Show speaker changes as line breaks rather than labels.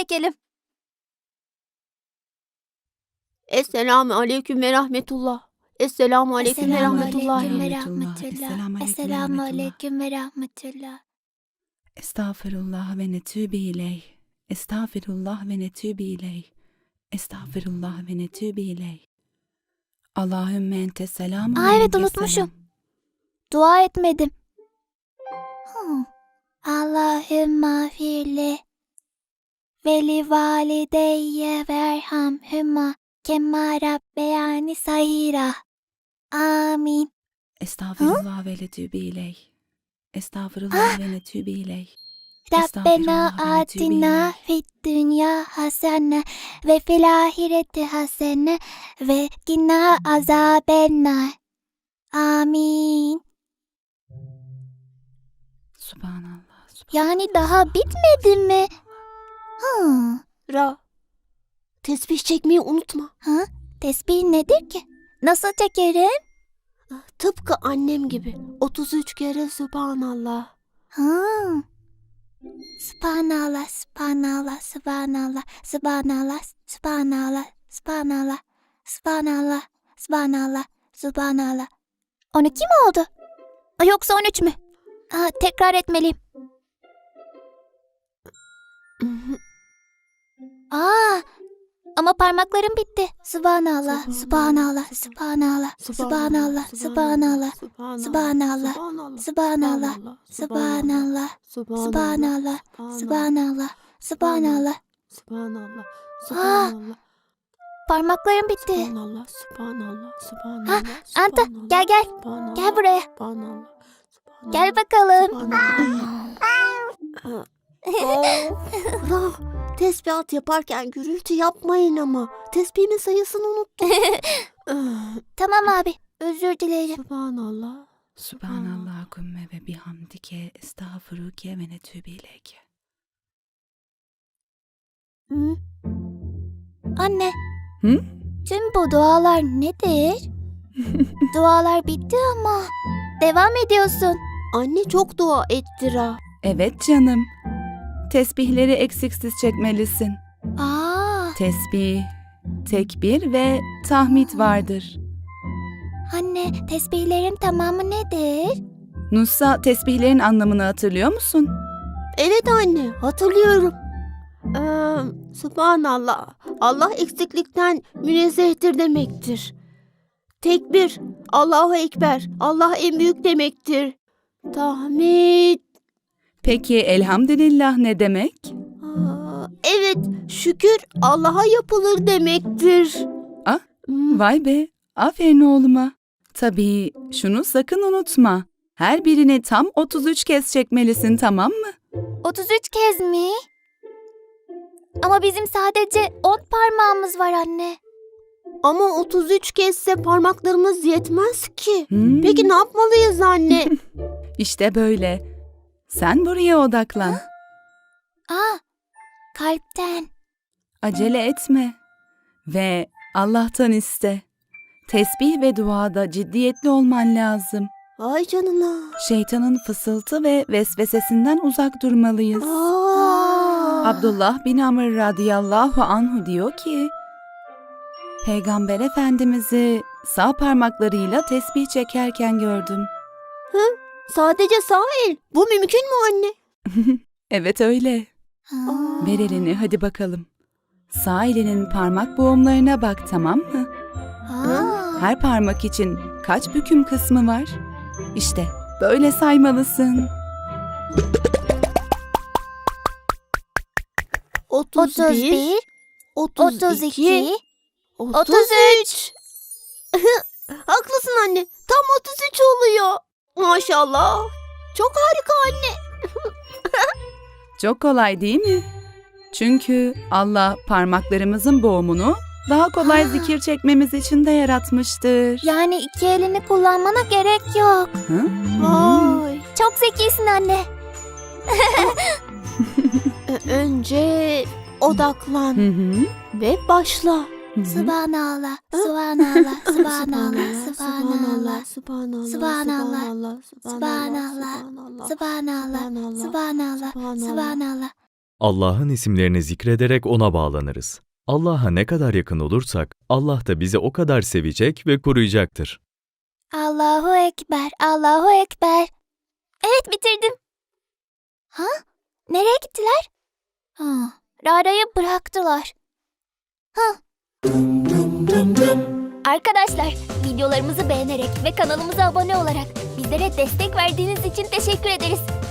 çekelim.
Esselamu aleyküm ve rahmetullah. Esselamu aleyküm ve
Esselamu
rahmetullah.
aleyküm ve
rahmetullah.
rahmetullah. Esselamu aleyküm ve rahmetullah.
Estağfirullah ve netûbü ileyh. Estağfirullah ve netûbü ileyh. Estağfirullah ve netûbü ileyh. Allahümme ente selamun
Aa, evet,
ve
unutmuşum.
selam.
Dua etmedim. Allahümme firli ve li valideyye verhamhüma kemâ rabbeyani sahira. Amin.
Estağfirullah ve netûbü ileyh. Estağfirullah ve netûbü ileyh.
Rabbena
Estağfirullah ve netûbü
atina
ileyh.
fid dünya hasene ve fil ahireti hasene ve gina azabennar. Amin.
Subhanallah.
Yani daha bitmedi mi?
Ra. Tesbih çekmeyi unutma.
Tesbih nedir ki? Nasıl çekerim?
Tıpkı annem gibi. 33 kere Subhanallah.
Subhanallah, subhanallah, subhanallah, subhanallah, subhanallah, subhanallah, subhanallah, subhanallah, subhanallah. 12 mi oldu? Yoksa 13 mü? Tekrar etmeliyim. Ama parmaklarım bitti. Subhanallah, subhanallah, subhanallah, subhanallah, subhanallah, subhanallah, subhanallah, subhanallah, subhanallah, subhanallah, subhanallah.
Subhanallah.
Subhanallah. Parmaklarım bitti.
Subhanallah. Subhanallah. Subhanallah.
Anta, gel gel.
Subhanallah.
Gel buraya.
Subhanallah.
Gel bakalım.
Subhanallah. Ra, tesbihat yaparken gürültü yapmayın ama. Tesbihimin sayısını unuttum.
Tamam abi, özür dilerim.
Subhanallah.
Subhanallahümme ve bihamdike estağfiruke ve netûbü ileyke.
Anne,
Hı?
tüm bu dualar nedir? Dualar bitti ama devam ediyorsun.
Anne çok dua etti Ra.
Evet canım. Tesbihleri eksiksiz çekmelisin. Tesbih, tekbir ve tahmid vardır.
Anne, tesbihlerin tamamı nedir?
Nusa, tesbihlerin anlamını hatırlıyor musun?
Evet anne, hatırlıyorum. Subhanallah. Allah eksiklikten münezzehtir demektir. Tekbir, Allahu Ekber. Allah en büyük demektir. Tahmid.
Peki elhamdülillah ne demek?
Evet, şükür Allah'a yapılır demektir.
Vay be, aferin oğluma. Tabii şunu sakın unutma. Her birini tam 33 kez çekmelisin, tamam mı?
33 kez mi? Ama bizim sadece 10 parmağımız var anne.
Ama 33 kezde parmaklarımız yetmez ki.
Hmm.
Peki ne yapmalıyız anne?
İşte böyle. Sen buraya odaklan.
Kalpten.
Acele etme. Ve Allah'tan iste. Tesbih ve duada ciddiyetli olman lazım.
Ay canına.
Şeytanın fısıltı ve vesvesesinden uzak durmalıyız. Abdullah bin Amr radıyallahu anhu diyor ki, Peygamber Efendimiz'i sağ parmaklarıyla tesbih çekerken gördüm.
Sadece sağ el. Bu mümkün mü anne?
Evet öyle. Ver elini hadi bakalım. Sağ elinin parmak boğumlarına bak, tamam mı? Her parmak için kaç büküm kısmı var? İşte böyle saymalısın.
31, 32,
33.
Haklısın anne. Tam 33 oluyor. Maşallah. Çok harika anne.
Çok kolay değil mi? Çünkü Allah parmaklarımızın boğumunu daha kolay zikir çekmemiz için de yaratmıştır.
Yani iki elini kullanmana gerek yok.
Hı?
Vay.
Çok zekisin anne.
Önce odaklan
Hı hı.
ve başla.
Hı hı.
Subhanallah, subhanallah, subhanallah, subhanallah,
Subhanallah,
Subhanallah,
subhanallah,
subhanallah, subhanallah, subhanallah, subhanallah,
Allah'ın isimlerini zikrederek ona bağlanırız. Allah'a ne kadar yakın olursak, Allah da bizi o kadar sevecek ve koruyacaktır.
Allahu Ekber, Allahu Ekber. Evet, bitirdim. Ha? Nereye gittiler? Rara'yı bıraktılar. Arkadaşlar, videolarımızı beğenerek ve kanalımıza abone olarak bizlere destek verdiğiniz için teşekkür ederiz.